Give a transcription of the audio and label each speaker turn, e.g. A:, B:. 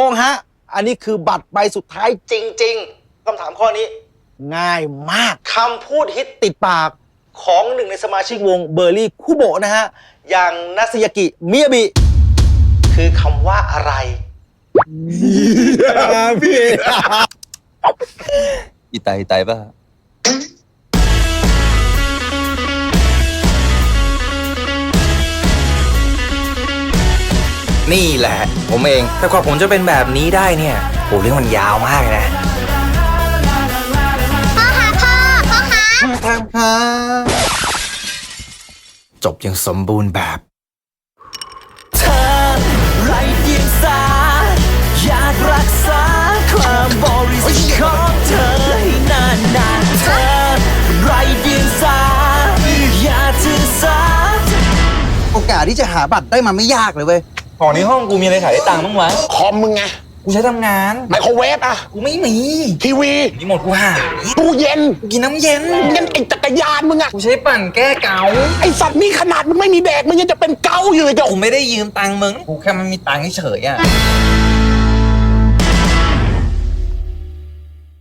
A: งฮะอันนี้คือบัตรใบสุดท้ายจริงๆคำถามข้อนี้ง่ายมากคำพูดฮิตติดปากของหนึ่งในสมาชิกวงเบอร์รี่คุโบะนะฮะอย่างนัสยากิมิยาบิคือคำว่าอะไรพี่
B: อีไตป่ะ
C: นี่แหละผมเองแต่กว่าผมจะเป็นแบบนี้ได้เนี่ยโหเรื่องมันยาวมากเลยนะ
A: ทำค่ะ
C: จบอย่างสมบูรณ์แบบ
D: เธอไรเดียงสาอยากรักษาความบริสุทธิ์ของเธอให้นานๆเธอไรเดียงสาอย่าถือสา
A: โอกาสที่จะหาบัตรได้มาไม่ยากเลยเว้ย
C: ของในห้องกูมีอะไรขายได้ตังค์บ้างวะ
E: คอมมึงไง
C: กูใช้ทำงาน
E: ไมโครเวฟอะ
C: กูไม่มี
E: ทีวี
C: นี่หมดกูหาย
E: ตู้เย็น
C: กูกินน้ำเย็น
E: ยันไอจักรยานมึงอะ
C: กูใช้ปั่นแก้เกา
E: ไอสัตว์นี่ขนาดมึงไม่มีแดกมึงยังจะเป็นเกาอยู่เลยเจ้า
C: กูไม่ได้ยืมตังค์มึงกูแค่มันมีตังค์เฉยๆอ่ะ